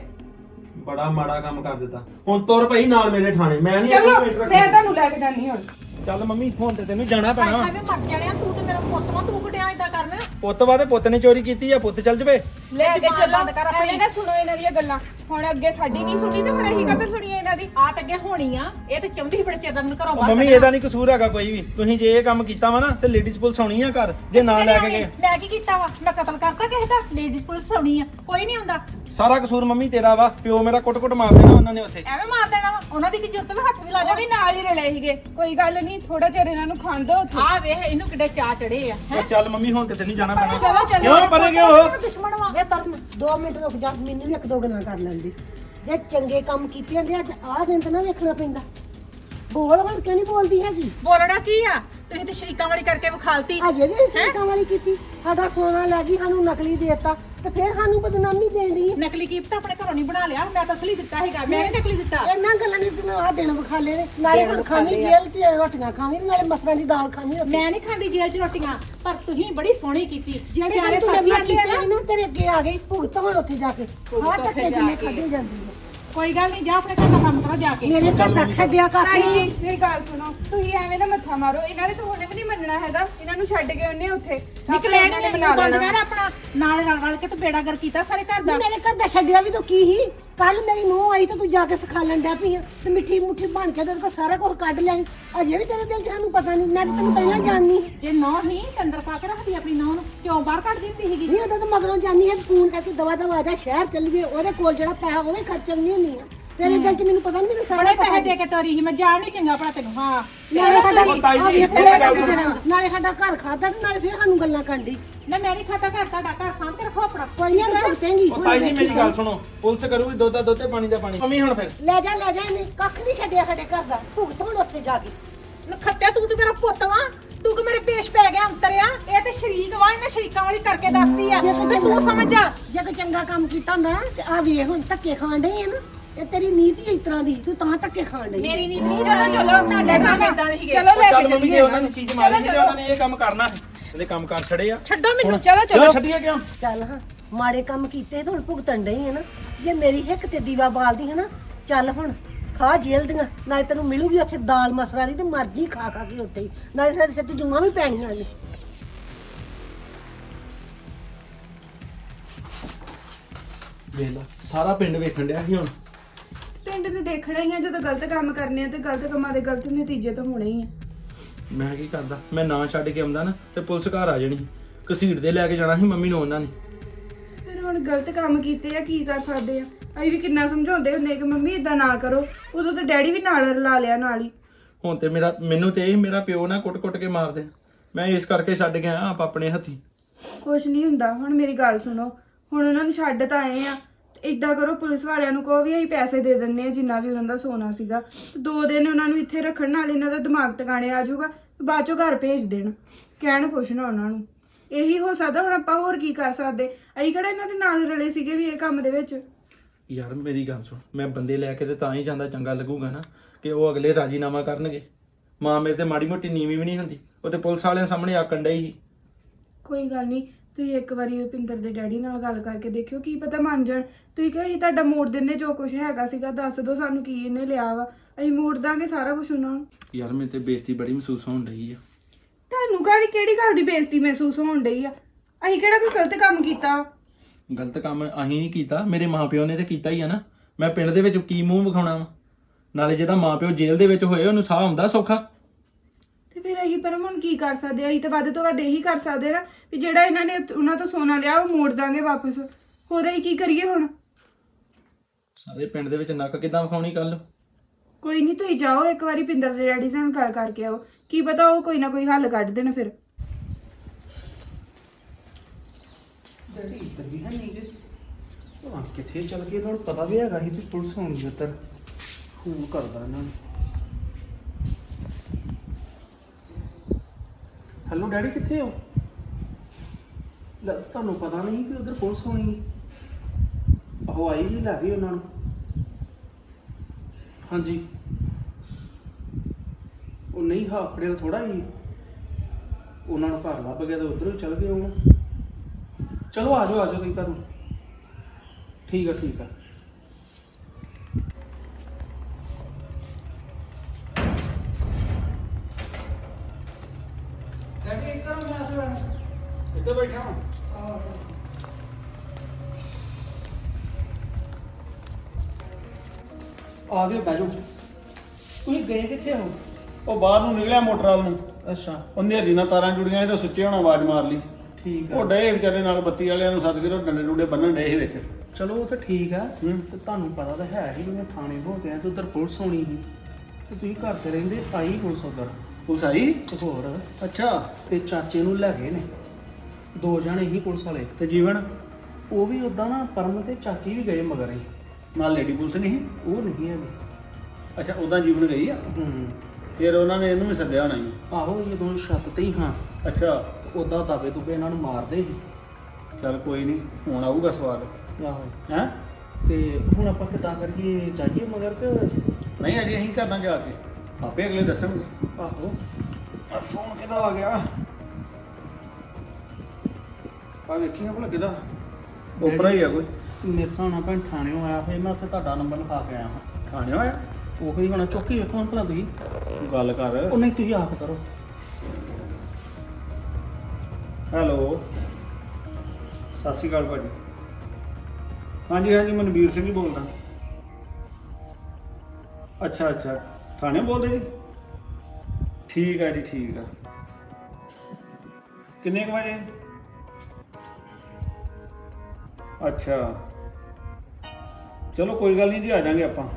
Speaker 3: ਬੜਾ ਮਾੜਾ ਕੰਮ ਕਰ ਦਿੱਤਾ। ਹੁਣ ਤੁਰ ਪਈ ਨਾਲ ਮੇਰੇ ਥਾਣੇ, ਮੈਂ ਨਹੀਂ
Speaker 4: ਚਲੋ
Speaker 3: ਮਿੰਟ
Speaker 4: ਮੈਂ ਤੁਹਾਨੂੰ ਲੈ ਕੇ ਜਾਣੀ ਹੁਣ।
Speaker 3: ਚੱਲ ਮੰਮੀ, ਹੁਣ ਤੇ ਤੈਨੂੰ ਜਾਣਾ ਪੈਣਾ।
Speaker 4: ਮੈਂ ਮਰ ਜਾਣਿਆ, ਤੂੰ ਤੇ ਮੇਰਾ ਪੁੱਤ ਵਾ, ਤੂੰ ਕੁੱਟਿਆ ਇਦਾਂ ਕਰਨਾ।
Speaker 3: ਪੁੱਤ ਵਾ ਤੇ ਪੁੱਤ ਨੇ ਚੋਰੀ ਕੀਤੀ ਆ, ਪੁੱਤ ਚੱਲ ਜਵੇ।
Speaker 4: ਲੈ ਕੇ ਚੱਲੋ, ਐਵੇਂ ਨਾ ਸੁਣੋ ਇਹਨਾਂ ਦੀਆਂ ਗੱਲਾਂ। ਹੁਣ ਅੱਗੇ ਸਾਡੀ ਨਹੀਂ ਸੁਣੀ ਤੇ ਹੁਣ ਅਸੀਂ ਕਦੋਂ ਸੁਣੀਏ ਇਹਨਾਂ ਦੀ।
Speaker 7: ਆ ਤਾਂ ਅੱਗੇ ਹੋਣੀ ਆ, ਇਹ ਤੇ ਚਾਹੁੰਦੀ ਸੀ ਬੜੇ ਚਿਰ ਦਾ ਮੈਨੂੰ ਘਰੋਂ
Speaker 3: ਉਹ
Speaker 7: ਬਾਹਰ
Speaker 3: ਮੰਮੀ ਇਹਦਾ ਨਹੀਂ ਕਸੂਰ ਹੈਗਾ ਕੋਈ ਵੀ। ਤੁਸੀਂ ਜੇ ਇਹ ਕੰਮ ਕੀਤਾ ਵਾ ਨਾ ਤੇ ਲੇਡੀਜ਼ ਪੁਲਿਸ ਆਉਣੀ ਆ ਘਰ, ਜੇ ਨਾ ਲੈ ਕੇ ਗਏ।
Speaker 7: ਮੈਂ ਕੀ ਕੀਤਾ ਵਾ, ਮੈਂ ਕਤਲ ਕਰਤਾ ਕਿਸੇ ਦਾ? ਲੇਡੀਜ਼ ਪੁਲਿਸ ਆਉਣੀ ਆ, ਕੋਈ ਨਹੀਂ ਆਉਂਦਾ।
Speaker 3: ਸਾਰਾ ਕਸੂਰ ਮੰਮੀ ਤੇਰਾ ਵਾ। ਪਿਓ ਮੇਰਾ ਕੁੱਟ-ਕੁੱਟ ਮਾਰ ਦੇਣਾ ਉਹਨਾਂ ਨੇ ਉੱਥੇ।
Speaker 7: ਐਵੇਂ ਮਾਰ ਦੇਣਾ ਵਾ, ਉਹਨਾਂ ਦੀ ਕੀ ਜ਼ਰੂਰਤ ਵਾ, ਹੱਥ ਵੀ ਲਾ
Speaker 4: ਉਹ
Speaker 7: ਜਾ।
Speaker 4: ਵੀ ਨਾਲ ਹੀ ਰਲੇ ਸੀਗੇ, ਕੋਈ ਗੱਲ ਨਹੀਂ, ਥੋੜਾ ਚਿਰ ਇਹਨਾਂ ਨੂੰ ਖਾਣ ਦਿਓ ਉੱਥੇ।
Speaker 7: ਆ ਵੇਖ ਇਹਨੂੰ ਕਿੱਡੇ ਚਾਹ ਚੜੇ ਆ।
Speaker 3: ਉਹ ਚੱਲ ਮੰਮੀ, ਹੁਣ ਤੇ ਤੈਨੂੰ ਜਾਣਾ ਪੈਣਾ।
Speaker 4: ਚਲੋ ਚਲੋ
Speaker 3: ਕਿਉਂ ਪਰੇ ਕਿਉਂ?
Speaker 7: ਦੁਸ਼ਮਣ ਵਾ।
Speaker 5: ਵੇ ਪਰ ਦੋ ਮਿੰਟ ਰੁਕ ਜਾ, ਮੈਨੂੰ ਵੀ ਇੱਕ ਦੋ ਗੱਲਾਂ ਕਰ ਲੈਂਦੀ। ਜੇ ਚੰਗੇ ਕੰਮ ਕੀਤੇ ਹੁੰਦੇ ਅੱਜ ਆਹ ਦਿਨ ਤਾਂ ਨਾ ਵੇਖਣਾ ਪੈਂਦਾ। ਬੋਲ ਹੁਣ ਕਿਉਂ ਨਹੀਂ ਬੋਲਦੀ ਹੈਗੀ?
Speaker 7: ਬੋਲਣਾ ਕੀ ਆ, ਤੁਸੀਂ ਤੇ ਸ਼ਰੀਕਾਂ ਵਾਲੀ ਕਰਕੇ ਵਿਖਾਲਤੀ।
Speaker 5: ਅਜੇ ਵੀ ਸਿੱਕਾਂ ਵਾਲੀ ਕੀਤੀ। ਸਾਡਾ ਸੋਨਾ ਲੈ ਗਈ, ਸਾਨੂੰ ਨਕਲੀ ਦੇਤਾ ਤੇ ਫਿਰ ਸਾਨੂੰ ਬਦਨਾਮੀ ਦੇਣ ਦੀ।
Speaker 7: ਨਕਲੀ ਕੀਪਤਾ ਆਪਣੇ ਘਰੋਂ ਨਹੀਂ ਬਣਾ ਲਿਆ, ਮੈਂ ਤਾਂ ਅਸਲੀ ਦਿੱਤਾ ਹੈਗਾ। ਮੈਂ ਨਹੀਂ ਨਕਲੀ ਦਿੱਤਾ।
Speaker 5: ਇਹਨਾਂ ਗੱਲਾਂ ਨੇ ਤੈਨੂੰ ਆਹ ਦਿਨ ਵਿਖਾਲੇ ਨੇ। ਨਾਲੇ ਹੁਣ ਖਾਵੀਂ ਜੇਲ੍ਹ ਤੇ ਰੋਟੀਆਂ ਖਾਵੀਂ, ਨਾਲੇ ਮਸਰਾਂ ਦੀ ਦਾਲ ਖਾਵੀਂ ਉੱਥੇ।
Speaker 7: ਮੈਂ ਨਹੀਂ ਖਾਂਦੀ ਜੇਲ੍ਹ 'ਚ ਰੋਟੀਆਂ, ਪਰ ਤੁਸੀਂ ਬੜੀ ਸੋਹਣੀ ਕੀਤੀ।
Speaker 5: ਜਿਹੜੇ
Speaker 7: ਸਿਆਣੇ
Speaker 5: ਕੰਮ ਤੂੰ
Speaker 7: ਸੱਚੀ
Speaker 5: ਗੱਲਾਂ
Speaker 7: ਆਂਦੇ ਆ
Speaker 5: ਕੀਤੀਆਂ
Speaker 7: ਨਾ।
Speaker 5: ਸੀ ਨਾ, ਤੇਰੇ ਅੱਗੇ ਆ ਗਈ ਭੁਗਤ ਹੁਣ ਉੱਥੇ ਜਾ ਕੇ। ਆਹ ਧੱਕੇ ਜਿੰਨੇ ਖਾਧੇ ਜਾਂਦੀ ਹੈ।
Speaker 7: ਕੋਈ ਗੱਲ ਨਹੀਂ, ਜਾ ਆਪਣੇ ਘਰ ਦਾ ਕੰਮ ਕਰੋ ਜਾ ਕੇ।
Speaker 5: ਮੇਰੇ ਘਰ ਦਾ ਛੱਡਿਆ ਕੱਖ
Speaker 4: ਤਾਈ
Speaker 5: ਨਹੀਂ।
Speaker 4: ਜੀ ਮੇਰੀ ਗੱਲ ਸੁਣੋ, ਤੁਸੀਂ ਐਵੇਂ ਨਾ ਮੱਥਾ ਮਾਰੋ। ਇਹਨਾਂ ਨੇ ਤਾਂ ਹੁਣੇ ਵੀ ਨਹੀਂ ਮੰਨਣਾ ਹੈਗਾ, ਇਹਨਾਂ ਨੂੰ ਛੱਡ ਕੇ ਉਹਨੇ ਉੱਥੇ
Speaker 7: ਨਿਕਲਿਆ
Speaker 4: ਇਹਨਾਂ
Speaker 7: ਨਹੀਂ, ਬੰਦ ਕਰ ਆਪਣਾ। ਨਾਲ ਰਲ ਰਲ ਕੇ ਤੇ ਬੇੜਾ ਕਰ ਕੀਤਾ ਸਾਰੇ ਘਰ ਦਾ।
Speaker 5: ਮੇਰੇ ਘਰ ਦਾ ਛੱਡਿਆ ਵੀ ਤੂੰ ਕੀ ਹੀ? ਕੱਲ ਮੇਰੀ ਨੂੰਹ ਆਈ ਤੇ ਤੂੰ ਜਾ ਕੇ ਸਿਖਾਲਣ ਡਿਆ ਪਈ ਆ ਤੇ ਮਿੱਠੀ ਮੁੱਠੀ ਬਣ ਕੇ ਤੇਰੇ ਕੋਲ ਸਾਰਾ ਕੁਝ ਕੱਢ ਲਿਆਈ। ਅਜੇ ਵੀ ਤੇਰੇ ਦਿਲ 'ਚ ਸਾਨੂੰ ਪਤਾ ਨਹੀਂ, ਮੈਂ ਤਾਂ ਤੈਨੂੰ ਪਹਿਲਾਂ ਜਾਣਨੀ।
Speaker 7: ਜੇ ਨੌ ਨਹੀਂ ਤੇ ਅੰਦਰ ਪਾ ਕੇ ਰੱਖਦੀ ਆਪਣੀ ਨੌ ਨੂੰ, ਕਿਉਂ ਬਾਹਰ ਕੱਢ ਦਿੰਦੀ ਸੀਗੀ?
Speaker 5: ਨਹੀਂ ਉਹਦਾ ਤਾਂ ਮਗਰੋਂ ਜਾਨੀ ਹੈ ਫੋਨ ਕਰਕੇ ਦਵਾ ਦਵਾ ਆ ਜਾ ਸ਼ਹਿਰ ਚੱਲ ਗਏ, ਉਹਦੇ ਕੋਲ ਜਿਹੜਾ ਪੈਸਾ ਉਹ ਵੀ ਖਰਚਣ ਨਹੀਂ ਹੁੰਦੀ ਆ। ਤੇਰੇ ਦਿਲ 'ਚ ਮੈਨੂੰ ਪਤਾ ਨਹੀਂ, ਮੈਨੂੰ ਸਾਰਾ
Speaker 7: ਬੜੇ
Speaker 5: ਪਤਾ
Speaker 7: ਪੈਸੇ ਦੇ ਕੇ ਤੋਰੀ ਸੀ, ਮੈਂ ਜਾਣ ਨਹੀਂ ਚੰਗਾ ਭਲਾ ਤੈਨੂੰ। ਹਾਂ
Speaker 5: ਨਾਲੇ ਸਾਡਾ
Speaker 3: ਉਹ ਤਾਈ ਜੀ,
Speaker 5: ਨਾਲੇ
Speaker 3: ਇੱਕ ਗੱਲ ਸੁਣੋ।
Speaker 5: ਨਾਲੇ ਸਾਡਾ ਘਰ ਖਾਦਾ ਤੇ ਨਾਲੇ ਫਿਰ ਸਾਨੂੰ ਗੱਲਾਂ ਕਰਦੀ।
Speaker 7: ਨਾ ਮੈਂ ਨਹੀਂ ਖਾਤਾ ਘਰ, ਤੁਹਾਡਾ ਘਰ ਸਾਂਭ ਕੇ ਰੱਖੋ ਆਪਣਾ।
Speaker 5: ਕੋਈ ਨਹੀਂ ਮੈਂ ਭੁਗਤੇਂਗੀ।
Speaker 3: ਉਹ ਤਾਈ ਜੀ ਮੇਰੀ ਗੱਲ ਸੁਣੋ, ਪੁਲਿਸ ਕਰੂਗੀ ਦੁੱਧ ਦਾ ਦੁੱਧ ਤੇ ਪਾਣੀ ਦਾ ਪਾਣੀ। ਮੰਮੀ ਹੁਣ ਫਿਰ
Speaker 5: ਲੈ ਜਾ ਲੈ ਜਾ, ਇਹਨੇ ਕੱਖ ਨਹੀਂ ਛੱਡਿਆ ਸਾਡੇ ਘਰ ਦਾ। ਭੁਗਤ ਹੁਣ ਉੱਥੇ ਜਾ ਕੇ।
Speaker 7: ਨਖੱਤਿਆ ਤੂੰ ਤੇ ਮੇਰਾ ਪੁੱਤ ਵਾ, ਤੂੰ ਕਿ ਮੇਰੇ ਪੇਸ਼ ਪੈ ਗਿਆ ਅੰਤਰਿਆ। ਇਹ ਤੇ ਸ਼ਰੀਕ ਵਾ, ਇਹਨੇ ਸ਼ਰੀਕਾਂ ਵਾਲੀ ਕਰਕੇ ਦੱਸਦੀ ਆ ਵੀ ਤੂੰ ਸਮਝ ਜਾ।
Speaker 5: ਜੇ ਕੋਈ ਚੰਗਾ ਕੰਮ ਕੀਤਾ ਹੁੰਦਾ ਨਾ ਤੇ ਆ ਵੇਖ ਹੁਣ ਧੱਕੇ ਖਾਣ ਡਈ ਆ ਨਾ, ਇਹ ਤੇਰੀ ਨੀਤੀ ਇਸ ਤਰ੍ਹਾਂ ਦੀ, ਤੂੰ ਤਾਂ ਧੱਕੇ ਖਾਣ ਡਈ।
Speaker 7: ਮੇਰੀ ਨੀਤੀ ਨਹੀਂ।
Speaker 4: ਚਲੋ ਚਲੋ
Speaker 7: ਤੁਹਾਡੇ ਕੰਮ ਇਦਾਂ ਦੇ ਸੀਗੇ।
Speaker 4: ਚਲੋ ਲੈ
Speaker 3: ਚੱਲ
Speaker 4: ਕੇ
Speaker 3: ਮੰਮੀ ਜੇ
Speaker 4: ਚੱਲੀਏ
Speaker 3: ਉਹਨਾਂ ਨੇ ਚੀਜ਼ ਮਾਰੀ ਸੀ ਤੇ ਉਹਨਾਂ ਨੇ ਇਹ ਕੰਮ ਕਰਨਾ ਸੀ। ਇਹਦੇ ਕੰਮ ਕਰ ਛੜੇ ਆ।
Speaker 7: ਛੱਡੋ ਮੈਨੂੰ।
Speaker 3: ਹੁਣ-
Speaker 4: ਚਲੋ ਚਲੋ
Speaker 3: ਕਿਉਂ ਛੱਡੀਏ ਕਿਉਂ?
Speaker 5: ਚੱਲ ਹਾਂ ਮਾੜੇ ਕੰਮ ਕੀਤੇ ਤੇ ਹੁਣ ਭੁਗਤਣ ਡਈ ਹੈ ਨਾ। ਜੇ ਮੇਰੀ ਹਿੱਕ ਤੇ ਦੀਵਾ ਬਾਲਦੀ ਹੈ ਨਾ, ਚੱਲ ਹੁਣ ਖਾ ਜੇਲ੍ਹ ਦੀਆਂ। ਨਾਲੇ ਤੈਨੂੰ ਮਿਲੂਗੀ ਉੱਥੇ ਦਾਲ ਮਸਰਾ ਦੀ ਤੇ ਮਰਜ਼ੀ ਖਾ ਖਾ ਕੇ ਉੱਥੇ ਹੀ, ਨਾਲੇ ਸਾਡੇ ਸਿਰ ਤੇ ਜੂਆਂ ਵੀ ਪੈਣੀਆਂ ਨੇ।
Speaker 3: ਵੇਖ ਲਾ ਸਾਰਾ ਪਿੰਡ ਵੇਖਣ ਡਿਆ ਸੀ ਹੁਣ।
Speaker 4: ਪਿੰਡ ਨੇ ਦੇਖਣਾ ਹੀ ਆ, ਜਦੋਂ ਗਲਤ ਕੰਮ ਕਰਨੇ ਆ ਤੇ ਗਲਤ ਕੰਮਾਂ ਦੇ ਗਲਤ ਨਤੀਜੇ ਤਾਂ ਹੋਣੇ ਹੀ ਆ।
Speaker 3: ਮੈਂ ਕੀ ਕਰਦਾ, ਮੈਂ ਨਾ ਛੱਡ ਕੇ ਆਉਂਦਾ ਨਾ ਤੇ ਪੁਲਿਸ ਘਰ ਆ ਜਾਣੀ। ਘਸੀਟ ਦੇ ਲੈ ਕੇ ਜਾਣਾ ਸੀ ਮੰਮੀ ਨੂੰ ਉਹਨਾਂ ਨੇ।
Speaker 4: ਫਿਰ ਹੁਣ ਗਲਤ ਕੰਮ ਕੀਤੇ ਆ, ਕੀ ਕਰ ਸਕਦੇ ਆ। ਅਸੀਂ ਵੀ ਕਿੰਨਾ ਸਮਝਾਉਂਦੇ ਹੁੰਦੇ ਕਿ ਮੰਮੀ ਇਦਾਂ ਨਾ ਕਰੋ, ਉਦੋਂ ਤਾਂ ਡੈਡੀ ਵੀ ਨਾਲ ਰਲਾ ਲਿਆ ਨਾਲ ਹੀ।
Speaker 3: ਹੁਣ ਤੇ ਮੇਰਾ ਮੈਨੂੰ ਤੇ ਇਹ ਮੇਰਾ ਪਿਓ ਨਾ ਕੁੱਟ-ਕੁੱਟ ਕੇ ਮਾਰਦੇ। ਮੈਂ ਇਸ ਕਰਕੇ ਛੱਡ ਕੇ ਆਇਆ ਆਪ ਆਪਣੇ ਹੱਥੀ।
Speaker 4: ਕੁਛ ਨਹੀਂ ਹੁੰਦਾ। ਹੁਣ ਮੇਰੀ ਗੱਲ ਸੁਣੋ, ਹੁਣ ਉਹਨਾਂ ਨੂੰ ਛੱਡ ਤਾਂ ਆਏ ਆ, ਇਦਾਂ ਕਰੋ ਪੁਲਿਸ ਵਾਲਿਆਂ ਨੂੰ ਕਹੋ ਵੀ ਅਸੀਂ ਪੈਸੇ ਦੇ ਦਿੰਨੇ ਆ ਜਿੰਨਾ ਵੀ ਉਹਨਾਂ ਦਾ ਸੋਨਾ ਸੀਗਾ। ਦੋ ਦਿਨ ਉਹਨਾਂ ਨੂੰ ਇੱਥੇ ਰੱਖਣ ਨਾਲ ਇਹਨਾਂ ਦਾ ਦਿਮਾਗ ਟਿਕਾਣੇ ਆ ਜਾਊਗਾ, ਬਾਅਦ ਚੋਂ ਘਰ ਭੇਜ ਦੇਣ। ਕਹਿਣ ਕੁਛ ਨਾ ਉਹਨਾਂ ਨੂੰ, ਇਹੀ ਹੋ ਸਕਦਾ। ਹੁਣ ਆਪਾਂ ਹੋਰ ਕੀ ਕਰ ਸਕਦੇ? ਅਸੀਂ ਕਿਹੜਾ ਇਹਨਾਂ ਦੇ ਨਾਲ ਰਲੇ ਸੀਗੇ ਵੀ ਇਹ ਕੰਮ ਦੇ ਵਿੱਚ।
Speaker 3: ਯਾਰ ਮੇਰੀ ਗੱਲ ਸੁਣ, ਮੈਂ ਬੰਦੇ ਲੈ ਕੇ ਤੇ ਤਾਂ ਹੀ ਜਾਂਦਾ ਚੰਗਾ ਲੱਗੂਗਾ ਨਾ ਕਿ ਉਹ ਅਗਲੇ ਰਾਜੀਨਾਮਾ ਕਰਨਗੇ। ਮਾਂ ਮੇਰੇ ਤੇ ਮਾੜੀ ਮੋਟੀ ਨੀਵੀਂ ਵੀ ਨਹੀਂ ਹੁੰਦੀ, ਉਹ ਤੇ ਪੁਲਿਸ ਵਾਲਿਆਂ ਸਾਹਮਣੇ ਆਕਣ ਡਈ ਸੀ।
Speaker 4: ਕੋਈ ਗੱਲ ਨਹੀਂ, ਤੁਸੀਂ ਇੱਕ ਵਾਰੀ ਰੁਪਿੰਦਰ ਦੇ ਡੈਡੀ ਨਾਲ ਗੱਲ ਕਰਕੇ ਦੇਖਿਓ, ਕੀ ਪਤਾ ਮੰਨ ਜਾਣ। ਤੁਸੀਂ ਕਹੋ ਅਸੀਂ ਤੁਹਾਡਾ ਮੋੜ ਦਿੰਨੇ, ਜੋ ਕੁਝ ਹੈਗਾ ਸੀਗਾ ਦੱਸ ਦਿਓ ਸਾਨੂੰ ਕੀ ਇਹਨੇ ਲਿਆ ਵਾ, ਅਸੀਂ ਮੋੜ ਦਾਂਗੇ ਸਾਰਾ ਕੁਝ ਉਹਨਾਂ ਨੂੰ।
Speaker 3: ਯਾਰ ਮੇਰੇ ਤੇ ਬੇਇੱਜ਼ਤੀ ਬੜੀ ਮਹਿਸੂਸ ਹੋਣ ਡਈ ਆ।
Speaker 4: ਤੁਹਾਨੂੰ ਕਾਹਦੀ ਕਿਹੜੀ ਗੱਲ ਦੀ ਬੇਇੱਜ਼ਤੀ ਮਹਿਸੂਸ ਹੋਣ ਡਈ ਆ? ਅਸੀਂ ਕਿਹੜਾ ਕੋਈ ਗਲਤ ਕੰਮ ਕੀਤਾ?
Speaker 3: ਗਲਤ ਕੰਮ ਅਸੀਂ ਨਹੀਂ ਕੀਤਾ, ਮੇਰੇ ਮਾਪਿਓ ਨੇ ਤੇ ਕੀਤਾ ਹੀ ਆ ਨਾ। ਮੈਂ ਪਿੰਡ ਦੇ ਵਿੱਚ ਕੀ ਮੂੰਹ ਵਿਖਾਉਣਾ ਵਾ? ਨਾਲੇ ਜਿਹਦਾ ਮਾਪਿਓ ਜੇਲ੍ਹ ਦੇ ਵਿੱਚ ਹੋਏ ਉਹਨੂੰ ਸਾਹ ਹੁੰਦਾ ਸੌਖਾ।
Speaker 4: ਤੇ ਫਿਰ ਅਸੀਂ ਪਰਮ ਹੁਣ ਕੀ ਕਰ ਸਕਦੇ ਆ? ਅਸੀਂ ਤਾਂ ਵੱਧ ਤੋਂ ਵੱਧ ਇਹੀ ਕਰ ਸਕਦੇ ਨਾ ਵੀ ਜਿਹੜਾ ਇਹਨਾਂ ਨੇ ਉਹਨਾਂ ਤੋਂ ਸੋਨਾ ਲਿਆ ਉਹ ਮੋੜ ਦਾਂਗੇ ਵਾਪਸ। ਹੋਰ ਅਸੀਂ ਕੀ ਕਰੀਏ ਹੁਣ?
Speaker 3: ਸਾਰੇ ਪਿੰਡ ਦੇ ਵਿੱਚ ਨੱਕ ਕਿੱਦਾਂ ਵਿਖਾਉਣੀ ਕੱਲ?
Speaker 4: ਕੋਈ ਨਹੀਂ, ਤੁਸੀਂ ਜਾਓ ਇੱਕ ਵਾਰੀ ਪਿੰਦਰ ਦੇ ਡੈਡੀ ਨਾਲ ਗੱਲ ਕਰਕੇ ਆਓ, ਕੀ ਪਤਾ ਉਹ ਕੋਈ ਨਾ ਕੋਈ ਹੱਲ ਕੱਢ ਦੇਣ ਫਿਰ।
Speaker 8: ਡੈਡੀ ਇੱਧਰ ਵੀ ਹੈ ਨਹੀਂ ਗੇ। ਪਤਾ ਨੀ ਕਿੱਥੇ ਚੱਲ ਗਏ, ਇਹਨਾਂ ਨੂੰ ਪਤਾ ਵੀ ਹੈਗਾ ਸੀ ਵੀ ਪੁਲਿਸ ਹੋਣੀ ਉੱਧਰ। ਫੋਨ ਕਰਦਾ ਇਹਨਾਂ ਨੂੰ। ਹੈਲੋ ਡੈਡੀ, ਕਿੱਥੇ ਹੋ? ਲੈ ਤੁਹਾਨੂੰ ਪਤਾ ਨਹੀਂ ਕਿ ਉੱਧਰ ਪੁਲਿਸ ਹੋਣੀ। ਉਹ ਆਈ ਜੀ, ਲੈ ਗਈ ਉਹਨਾਂ ਨੂੰ। ਹਾਂਜੀ ਉਹ ਨਹੀਂ ਹਾਫੜੇ ਥੋੜਾ ਹੀ ਉਹਨਾਂ ਨੂੰ ਘਰ ਲੱਭ ਗਿਆ ਤੇ ਉੱਧਰ ਹੀ ਚੱਲ ਗਏ ਉਹ। ਚਲੋ ਆ ਜਾਓ ਆ ਜਾਓ ਤੁਸੀਂ ਘਰ ਨੂੰ। ਠੀਕ ਆ ਠੀਕ ਆ। ਡੈਡੀ ਇੱਧਰ ਆ, ਮੈਂ ਆ
Speaker 3: ਇੱਥੇ ਬੈਠਾ ਹਾਂ।
Speaker 8: ਆ ਗਏ, ਬਹਿ ਜਾਓ। ਤੁਸੀਂ ਗਏ ਕਿੱਥੇ ਹੋ?
Speaker 9: ਉਹ ਬਾਹਰ ਨੂੰ ਨਿਕਲਿਆ ਮੋਟਰ ਵਾਲ ਨੂੰ।
Speaker 8: ਅੱਛਾ
Speaker 9: ਉਹ ਹਨੇਰੀ ਨਾਲ ਤਾਰਾਂ ਜੁੜੀਆਂ ਇਹਦੇ ਸੁੱਚੇ ਹੋਣਾ ਆਵਾਜ਼ ਮਾਰ ਲਈ।
Speaker 8: ਠੀਕ
Speaker 9: ਉਹ
Speaker 8: ਆ।
Speaker 9: ਡੇ ਵਿਚਾਰੇ ਨਾਲ ਬੱਤੀ ਵਾਲਿਆਂ ਨੂੰ ਸੱਦ ਕੇ ਉਹ ਡੰਡੇ ਡੁੰਡੇ ਬੰਨਣ ਡੇ ਸੀ ਵਿੱਚ।
Speaker 8: ਚਲੋ ਉਹ ਤਾਂ ਠੀਕ ਆ।
Speaker 9: ਹੂੰ।
Speaker 8: ਤੇ ਤੁਹਾਨੂੰ ਪਤਾ ਤਾਂ ਹੈ ਹੀ ਵੀ ਮੈਂ ਥਾਣੇ ਹੋ ਗਿਆ ਤੇ ਉੱਧਰ ਪੁਲਿਸ ਹੋਣੀ ਸੀ ਤੇ ਤੁਸੀਂ ਘਰ ਤੇ ਰਹਿੰਦੇ, ਆਈ ਪੁਲਿਸ ਉੱਧਰ।
Speaker 9: ਪੁਲਿਸ ਆਈ?
Speaker 8: ਤੇ ਹੋਰ
Speaker 9: ਅੱਛਾ।
Speaker 8: ਤੇ ਚਾਚੇ ਨੂੰ ਲੈ ਗਏ ਨੇ ਦੋ ਜਣੇ ਹੀ ਪੁਲਿਸ ਵਾਲੇ।
Speaker 9: ਤੇ ਜੀਵਨ
Speaker 8: ਉਹ ਵੀ ਉਦਾਂ ਨਾ ਪਰਮ ਤੇ ਚਾਚੀ ਵੀ ਗਏ ਮਗਰ ਹੀ।
Speaker 9: ਨਾਲ ਲੇਡੀ ਪੁਲਿਸ ਨਹੀਂ ਸੀ?
Speaker 8: ਉਹ ਨਹੀਂ ਹੈਗੇ।
Speaker 9: ਅੱਛਾ, ਉਦਾਂ ਜੀਵਨ ਗਈ ਆ।
Speaker 8: ਹੂੰ।
Speaker 9: ਫਿਰ ਉਹਨਾਂ ਨੇ ਇਹਨੂੰ ਵੀ ਸੱਦਿਆ ਹੋਣਾ ਜੀ।
Speaker 8: ਆਹੋ ਜਦੋਂ ਛੱਤ ਤੇ ਹੀ ਹਾਂ
Speaker 9: ਅੱਛਾ,
Speaker 8: ਉਦਾਂ ਦਾਵੇ ਦੁਬੇ ਇਹਨਾਂ ਨੂੰ ਮਾਰਦੇ ਸੀ।
Speaker 9: ਚੱਲ ਕੋਈ ਨਹੀਂ, ਹੁਣ ਆਊਗਾ ਸਵਾਦ।
Speaker 8: ਆਹੋ।
Speaker 9: ਹੈਂ?
Speaker 8: ਤੇ ਹੁਣ ਆਪਾਂ ਕਿੱਦਾਂ ਕਰੀਏ, ਜਾਈਏ ਮਗਰ ਕਿ?
Speaker 9: ਨਹੀਂ ਅਜੇ ਅਸੀਂ ਕਰਨਾ ਜਾ ਕੇ, ਆਪੇ ਅਗਲੇ ਦੱਸਣਗੇ।
Speaker 8: ਆਹੋ।
Speaker 9: ਆ ਫੋਨ ਕਿਹਦਾ ਆ ਗਿਆ? ਆ ਵੇਖੀ ਨਾ ਭਲਾ ਕਿਹਦਾ? ਉਪਰਾ ਹੀ ਆ ਕੋਈ।
Speaker 8: ਮੇਰੇ ਹਿਸਾਬ ਨਾਲ ਭੈਣ ਥਾਣਿਓਂ ਆਇਆ ਹੋਇਆ, ਮੈਂ ਉੱਥੇ ਤੁਹਾਡਾ ਨੰਬਰ ਲਿਖਾ ਕੇ ਆਇਆ ਹਾਂ।
Speaker 9: ਥਾਣੇ ਆਇਆ?
Speaker 8: ਉਹੀ ਹੋਣਾ, ਚੁੱਕੀ ਵੇਖੋ ਹੁਣ ਭਲਾ ਤੁਸੀਂ।
Speaker 9: ਗੱਲ ਕਰ।
Speaker 8: ਉਹ ਨਹੀਂ, ਤੁਸੀਂ ਆਪ ਕਰੋ।
Speaker 9: ਹੈਲੋ, ਸਤਿ ਸ਼੍ਰੀ ਅਕਾਲ ਭਾਜੀ। ਹਾਂਜੀ ਹਾਂਜੀ, ਮਨਵੀਰ ਸਿੰਘ ਹੀ ਬੋਲਦਾ। ਅੱਛਾ ਅੱਛਾ ਥਾਣੇ ਬੋਲਦੇ ਜੀ ਠੀਕ ਹੈ ਜੀ ਠੀਕ ਆ ਕਿੰਨੇ ਕੁ ਵਜੇ ਅੱਛਾ ਚਲੋ ਕੋਈ ਗੱਲ ਨਹੀਂ ਜੀ ਆ ਜਾਾਂਗੇ ਆਪਾਂ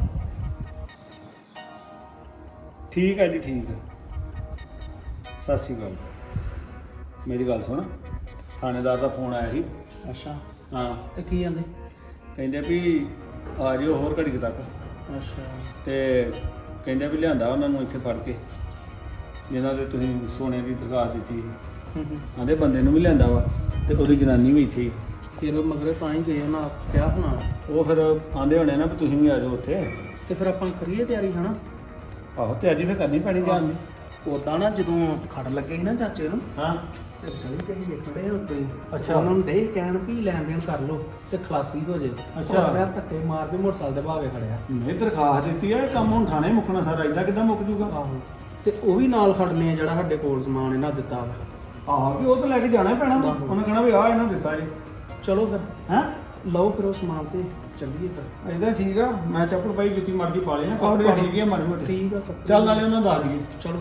Speaker 9: ਠੀਕ ਹੈ ਜੀ ਠੀਕ ਹੈ ਸਤਿ ਸ਼੍ਰੀ ਅਕਾਲ ਮੇਰੀ ਗੱਲ ਸੁਣ ਥਾਣੇਦਾਰ ਦਾ ਫੋਨ ਆਇਆ ਸੀ
Speaker 8: ਅੱਛਾ
Speaker 9: ਹਾਂ
Speaker 8: ਤੇ ਕੀ ਜਾਂਦੇ
Speaker 9: ਕਹਿੰਦੇ ਵੀ ਆ ਜਿਓ ਹੋਰ ਘੜੀ ਕੁ ਤੱਕ
Speaker 8: ਅੱਛਾ
Speaker 9: ਤੇ ਕਹਿੰਦੇ ਵੀ ਲਿਆਂਦਾ ਉਹਨਾਂ ਨੂੰ ਇੱਥੇ ਫੜ ਕੇ ਜਿਨ੍ਹਾਂ ਦੇ ਤੁਸੀਂ ਸੋਨੇ ਦੀ ਦਰਖਾਸਤ ਦਿੱਤੀ ਸੀ ਆਂਦੇ ਬੰਦੇ ਨੂੰ ਵੀ ਲਿਆਂਦਾ ਵਾ ਤੇ ਉਹਦੀ ਜਨਾਨੀ ਵੀ ਇੱਥੇ ਹੀ।
Speaker 8: ਫਿਰ ਉਹ ਮਗਰੇ ਤਾਂ ਹੀ ਗਏ ਉਹਨਾਂ ਕਿਹਾ ਹੋਣਾ
Speaker 9: ਉਹ ਫਿਰ ਆਂਦੇ ਹੋਣੇ ਨਾ ਵੀ ਤੁਸੀਂ ਵੀ ਆ ਜਾਓ ਉੱਥੇ
Speaker 8: ਤੇ ਫਿਰ ਆਪਾਂ ਕਰੀਏ ਤਿਆਰੀ ਹਨਾ
Speaker 9: ਆਹੋ ਤਿਆਰੀ ਫਿਰ ਕਰਨੀ ਪੈਣੀ ਜਾਣ ਦੀ
Speaker 8: ਉਦਾਂ ਨਾ ਜਦੋਂ ਖੜ ਲੱਗੇ ਸੀ ਨਾ ਚਾਚੇ ਨੂੰ
Speaker 9: ਹਾਂ
Speaker 8: ਤੇ ਗਲੀ ਤੇ ਹੀ ਖੜੇ ਉੱਤੇ ਹੀ।
Speaker 9: ਅੱਛਾ।
Speaker 8: ਉਹਨਾਂ ਨੂੰ ਡੇ ਕਹਿਣ ਵੀ ਲੈਣ ਦੇਣ ਕਰ ਲਓ ਤੇ ਖਲਾਸੀ ਹੋ ਜੇ
Speaker 9: ਅੱਛਾ।
Speaker 8: ਮੈਂ ਧੱਕੇ ਮਾਰ ਕੇ ਮੋਟਰਸਾਈਕਲ ਦੇ ਭਾਵੇਂ ਖੜਿਆ
Speaker 9: ਨਹੀਂ ਦਰਖਾਸਤ ਦਿੱਤੀ ਹੈ ਕੰਮ ਹੁਣ ਥਾਣੇ ਮੁੱਕਣਾ ਸਾਰਾ ਇਦਾਂ ਕਿੱਦਾਂ ਮੁੱਕ ਜੂਗਾ
Speaker 8: ਆਹੋ ਤੇ ਉਹ ਵੀ ਨਾਲ ਖੜਨੇ ਆ ਜਿਹੜਾ ਸਾਡੇ ਕੋਲ ਸਮਾਨ ਇਹਨਾਂ ਦਿੱਤਾ ਵਾ
Speaker 9: ਆਹੋ ਵੀ ਉਹ ਤਾਂ ਲੈ ਕੇ ਜਾਣਾ ਹੀ ਪੈਣਾ ਵਾ। ਉਹਨੇ ਕਹਿਣਾ ਵੀ ਆ ਇਹਨਾਂ ਦਿੱਤਾ ਜੀ
Speaker 8: ਚਲੋ ਫਿਰ
Speaker 9: ਹੈਂ
Speaker 8: ਲਓ ਫਿਰ ਉਹ ਸਮਾਨ ਤੇ ਚੱਲੀਏ ਫਿਰ
Speaker 9: ਇਦਾਂ ਠੀਕ ਆ ਮੈਂ ਚੱਪਲ ਪਾਈ ਜਿੱਤੀ ਮਰਜ਼ੀ ਪਾ ਲਈ ਨਾ
Speaker 8: ਆਹੋ,
Speaker 9: ਕੱਪੜੇ
Speaker 8: ਆਹੋ।
Speaker 9: ਠੀਕ ਹੈ ਮਾੜੀ ਮੋਟੀ
Speaker 8: ਠੀਕ ਆ ਕੱਪੜੇ।
Speaker 9: ਚੱਲ ਨਾਲੇ ਉਹਨਾਂ ਦਾ ਆ ਜੀਏ
Speaker 8: ਚਲੋ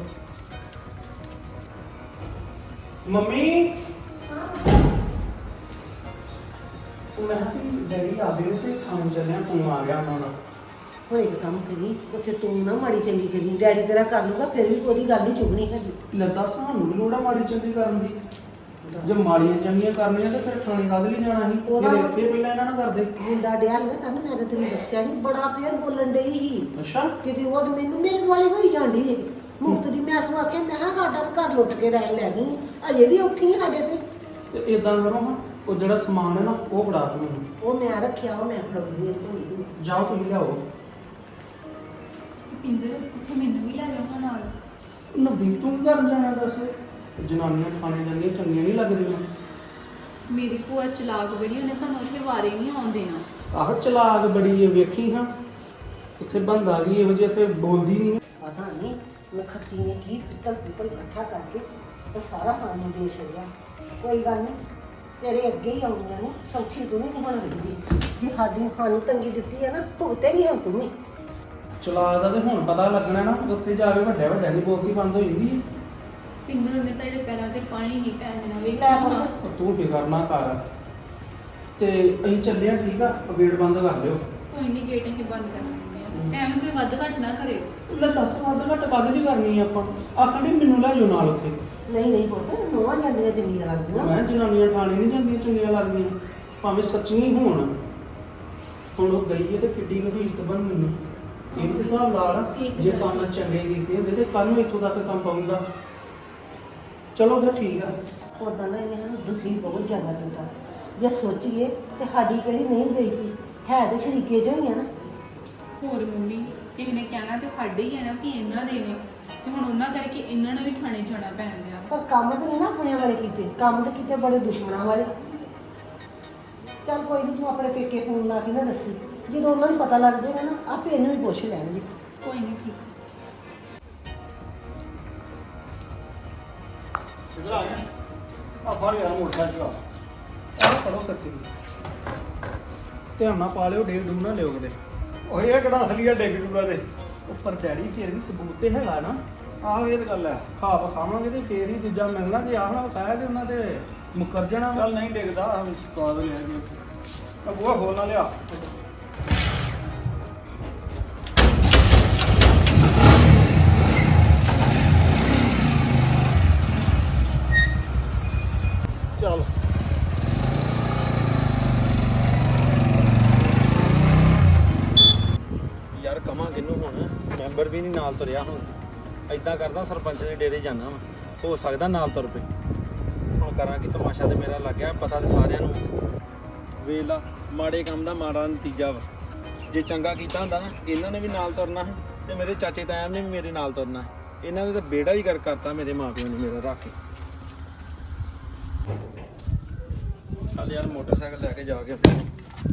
Speaker 8: ਮੰਮੀ ਮੈਂ ਕਿਹਾ ਵੀ ਡੈਡੀ ਆ ਗਏ ਤੇ ਖਾਣ ਚੱਲਿਆ ਫੋਨ ਆ ਗਿਆ ਉਹਨਾਂ ਦਾ
Speaker 5: ਹੁਣ ਇੱਕ ਕੰਮ ਕਰੀ ਉੱਥੇ ਤੂੰ ਨਾ ਮਾੜੀ ਚੰਗੀ ਕਰੀ ਡੈਡੀ ਤੇਰਾ ਕਰ ਲੂਗਾ ਫਿਰ ਵੀ ਉਹਦੀ ਗੱਲ ਨਹੀਂ ਚੁਗਣੀ ਹੈਗੀ
Speaker 8: ਲੱਦਾ ਸਾਨੂੰ ਵੀ ਲੋੜਾ ਮਾੜੀ ਚੰਗੀ ਕਰਨ ਦੀ ਜੇ ਮਾੜੀਆਂ ਚੰਗੀਆਂ ਕਰਨੀਆਂ ਤੇ ਫਿਰ ਥਾਣੇ ਕਾਹਦੇ ਲਈ ਜਾਣਾ ਸੀ
Speaker 5: ਉਹਦਾ-
Speaker 8: ਜੇ ਇੱਥੇ ਪਹਿਲਾਂ ਇਹਨਾਂ ਨਾਲ ਕਰਦੇ
Speaker 5: ਮੁੰਡਾ ਡਿਆ ਸੀ ਨਾ ਕਰਨ ਮੈਂ ਤਾਂ ਤੈਨੂੰ ਦੱਸਿਆ ਨਹੀਂ ਬੜਾ ਫੇਰ ਬੋਲਣ ਡਈ ਸੀ
Speaker 8: ਅੱਛਾ
Speaker 5: ਕਿਤੇ ਉਹ ਮੈਨੂੰ ਮੇਰੇ ਦੁਆਲੇ ਹੋਈ ਜਾਂਦੀ ਹੈ ਮੁਫਤ ਦੀ ਮੈਂ ਸਵਾ ਕੇ ਮੈਂ ਕਿਹਾ ਸਾਡਾ ਤਾਂ ਘਰ ਲੁੱਟ ਕੇ ਰਹਿ ਲੈ ਗਈ ਅਜੇ ਵੀ ਔਖੀ ਸਾਡੇ ਤੇ
Speaker 8: ਤੇ ਇਦਾਂ ਕਰੋ ਹਾਂ ਉਹ ਜਿਹੜਾ ਸਮਾਨ ਹੈ ਨਾ ਉਹ ਫੜਾ ਤੂੰ ਮੈਨੂੰ
Speaker 5: ਉਹ ਮੈਂ ਰੱਖਿਆ ਉਹ ਮੈਂ ਫੜਾਉਂਦੀ ਹਾਂ ਧੋਣੀ
Speaker 8: ਜਾਓ ਤੁਸੀਂ ਲਿਆਓ
Speaker 6: ਪਿੰਦਰ ਉੱਥੇ ਮੈਨੂੰ ਵੀ ਲੈ ਜਾਓ ਨਾਲ
Speaker 8: ਨਵਦੀਪ ਤੂੰ ਕੀ ਕਰਨ ਜਾਣਾ ਦੱਸ ਜਨਾਨੀਆਂ ਖਾਣੇ ਜਾਂਦੀਆਂ ਚੰਗੀਆਂ ਨਹੀਂ ਲੱਗਦੀਆਂ
Speaker 6: ਮੇਰੀ ਭੂਆ ਚਲਾਕ ਬੜੀ ਉਹਨੇ ਤੁਹਾਨੂੰ ਉੱਥੇ ਵਾਰੇ ਨਹੀਂ ਆਉਣ ਦੇਣਾ
Speaker 8: ਆਹ ਚਲਾਕ ਬੜੀ ਹੈ ਵੇਖੀ ਹਾਂ ਉੱਥੇ ਬੰਦਾ ਗਈ ਇਹੋ ਜਿਹੀ ਇੱਥੇ ਬੋਲਦੀ ਨਹੀਂ
Speaker 5: ਪਤਾ ਨਹੀਂ ਨਖੱਤੀ ਨੇ ਕੀ ਪਿੱਤਲ ਪਿੱਤਲ ਇਕੱਠਾ ਕਰਕੇ ਤੇ ਸਾਰਾ ਖਾਣ ਨੂੰ ਦੇ ਛੱਡਿਆ ਕੋਈ ਗੱਲ ਨਹੀਂ ਤੇਰੇ ਅੱਗੇ ਹੀ ਆਉਣੀਆਂ ਨੇ ਸੌਖੀ ਤੂੰ ਨਹੀਂ ਹੁਣ ਵੇਖਦੀ ਜੇ ਸਾਡੀ ਸਾਨੂੰ ਤੰਗੀ ਦਿੱਤੀ ਹੈ ਨਾ ਭੁਗਤੇਗੀ ਹੁਣ ਤੂੰ ਵੀ
Speaker 8: ਚਲਾਕ ਦਾ ਤੇ ਹੁਣ ਪਤਾ ਲੱਗਣਾ ਨਾ ਉੱਥੇ ਜਾ ਕੇ ਵੱਡੇ ਵੱਡਿਆਂ ਦੀ ਬੋਲਤੀ ਬੰਦ ਹੋ ਜਾਂਦੀ ਹੈ
Speaker 6: ਪਿੰਦਰ ਉਹਨੇ ਤੁਹਾਡੇ ਪੈਰਾਂ ਤੇ ਪਾਣੀ ਨਹੀਂ ਪੈਣ ਦੇਣਾ
Speaker 5: ਲੈ
Speaker 6: ਵੇਖਿਆ
Speaker 5: ਪੁੱਤ।
Speaker 6: ਹੋਣਾ।
Speaker 8: ਉਹ ਤੂੰ ਫਿਕਰ ਨਾ ਕਰ ਤੇ ਅਸੀਂ ਚੱਲੇ ਆ ਠੀਕ ਆ ਉਹ ਗੇਟ ਬੰਦ ਕਰ ਲਿਓ
Speaker 6: ਕੋਈ ਨਹੀਂ ਗੇਟ ਅਸੀਂ ਬੰਦ ਕਰ ਦਿੰਦੇ ਆ ਐਵੇਂ ਕੋਈ ਵੱਧ ਘੱਟ ਨਾ ਕਰਿਓ
Speaker 8: ਲੈ ਦੱਸ ਵੱਧ ਘੱਟ ਵੱਧ ਨਹੀਂ ਕਰਨੀ ਆਪਾਂ ਆਖਣ ਡਈ ਮੈਨੂੰ ਲੈ ਜਾਓ ਨਾਲ ਉੱਥੇ
Speaker 5: ਨਹੀਂ ਨਹੀਂ ਪੁੱਤ ਨੋਆਂ ਜਾਂਦੀਆਂ ਚੰਗੀਆਂ ਲੱਗਦੀਆਂ
Speaker 8: ਮੈਂ ਜਨਾਨੀਆਂ ਖਾਣੇ ਨਹੀਂ ਜਾਂਦੀਆਂ ਚੰਗੀਆਂ ਲੱਗਦੀਆਂ ਭਾਵੇਂ ਸੱਚੀਆਂ ਹੀ ਹੋਣ ਹੁਣ ਉਹ ਗਈ ਹੈ ਤੇ ਕਿੱਡੀ ਵੱਡੀ ਇੱਜ਼ਤ ਬਣ ਮੈਨੂੰ ਇਹ ਤੇ ਹਿਸਾਬ ਲਾ ਲਾ
Speaker 6: ਠੀਕ
Speaker 8: ਜੇ
Speaker 6: ਹੈ।
Speaker 8: ਕੰਮ ਚੰਗੇ ਕੀਤੇ ਹੁੰਦੇ ਤੇ ਕੱਲ ਨੂੰ ਇੱਥੋਂ ਤੱਕ ਕੰਮ ਪਾਉਂਦਾ ਚਲੋ ਫਿਰ ਠੀਕ ਆ
Speaker 5: ਉਦਾਂ ਨਾ ਇਹਨਾਂ ਨੂੰ ਦੁਖੀ ਬਹੁਤ ਜ਼ਿਆਦਾ ਕਰਦਾ ਜੇ ਸੋਚੀਏ ਤੇ ਸਾਡੀ ਕਿਹੜੀ ਨਹੀਂ ਗਈ ਸੀ ਹੈ ਤੇ ਸ਼ਰੀਕੇ ਜੋ ਹੀ ਆ ਨਾ
Speaker 6: ਹੋਰ ਮੰਮੀ ਕਿਸੇ ਨੇ ਕਹਿਣਾ ਤੇ ਸਾਡੇ ਹੀ ਆ ਨਾ ਕਿ ਇਹਨਾਂ ਦੇ ਨੇ ਤੇ ਹੁਣ ਉਹਨਾਂ ਕਰਕੇ ਇਹਨਾਂ ਨੂੰ ਵੀ ਥਾਣੇ ਜਾਣਾ ਪੈਣ ਦਿਆ
Speaker 5: ਪਰ ਕੰਮ ਤਾਂ ਨਹੀਂ ਨਾ ਆਪਣੇ ਵਾਲੇ ਕੀਤੇ ਕੰਮ ਤਾਂ ਕੀਤੇ ਬੜੇ ਦੁਸ਼ਮਣਾਂ ਵਾਲੇ ਚੱਲ ਕੋਈ ਨਹੀਂ ਤੂੰ ਆਪਣੇ ਪੇਕੇ ਫੋਨ ਲਾ ਕੇ ਨਾ ਦੱਸੀ ਜਦੋਂ ਉਹਨਾਂ ਨੂੰ ਪਤਾ ਲੱਗ ਜਾਏਗਾ ਨਾ ਆਪੇ ਇਹਨੂੰ ਵੀ ਪੁੱਛ ਲੈਣਗੇ
Speaker 6: ਕੋਈ ਨਹੀਂ ਠੀਕ
Speaker 9: ਕਿੱਧਰ ਆ ਗਿਆ ਆ ਫੜ ਯਾਰ ਮੋਟਰਸਾਈਕਲ
Speaker 8: ਆਹ ਪੜੋ ਕਰਤੀ ਧਿਆਨ ਨਾਲ ਪਾ ਲਿਓ ਡੇਗ ਡੂਬ ਨਾ ਲਿਓ ਕਿਤੇ
Speaker 9: ਉਹ ਇਹ ਕਿਹੜਾ ਅਸਲੀ ਆ ਡਿੱਗ ਡੂਗਾ ਦੇ
Speaker 8: ਉੱਪਰ ਡੈਡੀ ਫਿਰ ਵੀ ਸਬੂਤ ਤੇ ਹੈਗਾ ਨਾ
Speaker 9: ਆਹੋ ਇਹ ਤਾਂ ਗੱਲ ਹੈ
Speaker 8: ਖਾ ਖਾਵਾਂਗੇ ਤੇ ਫੇਰ ਹੀ ਦੂਜਾ ਮਿਲਣਾ ਜੇ ਆਹ ਨਾ ਕਹਿ ਦੇ ਉਹਨਾਂ ਤੇ ਮੁੱਕਰ ਜਾਣਾ ਵਾ।
Speaker 9: ਚੱਲ ਨਹੀਂ ਡਿੱਗਦਾ ਸਵਾਦ ਨਹੀਂ ਹੈਗੀ ਆ ਬੂਹਾ ਖੋਲ ਨਾ ਲਿਆ ਚੱਲ
Speaker 3: ਯਾਰ ਕਮਾਂ ਕਿਹਨੂੰ ਹੁਣ ਮੈਂਬਰ ਵੀ ਨਹੀਂ ਨਾਲ ਤੁਰਿਆ ਹੁਣ ਐਦਾਂ ਕਰਦਾ ਸਰਪੰਚ ਦੇ ਡੇਰੇ ਜਾਣਾ ਵਾ ਹੋ ਸਕਦਾ ਨਾਲ ਤੁਰ ਪਏ ਹੁਣ ਕਰਾਂ ਕਿ ਤਮਾਸ਼ਾ ਤੇ ਮੇਰਾ ਲੱਗ ਗਿਆ ਪਤਾ ਤੇ ਸਾਰਿਆਂ ਨੂੰ ਵੇਲਾ ਮਾੜੇ ਕੰਮ ਦਾ ਮਾੜਾ ਨਤੀਜਾ ਵਾ ਜੇ ਚੰਗਾ ਕੀਤਾ ਹੁੰਦਾ ਨਾ ਇਹਨਾਂ ਨੇ ਵੀ ਨਾਲ ਤੁਰਨਾ ਹੈ ਤੇ ਮੇਰੇ ਚਾਚੇ ਤਾਇਆਂ ਨੇ ਵੀ ਮੇਰੇ ਨਾਲ ਤੁਰਨਾ ਹੈ ਇਹਨਾਂ ਨੇ ਤਾਂ ਬੇੜਾ ਹੀ ਕਰ ਕਰਤਾ ਮੇਰੇ ਮਾਪਿਆਂ ਨੇ ਮੇਰਾ ਰੱਖ ਕੇ ਚੱਲ ਯਾਰ ਮੋਟਰਸਾਈਕਲ ਲੈ ਕੇ ਜਾ ਕੇ ਆਪਣੇ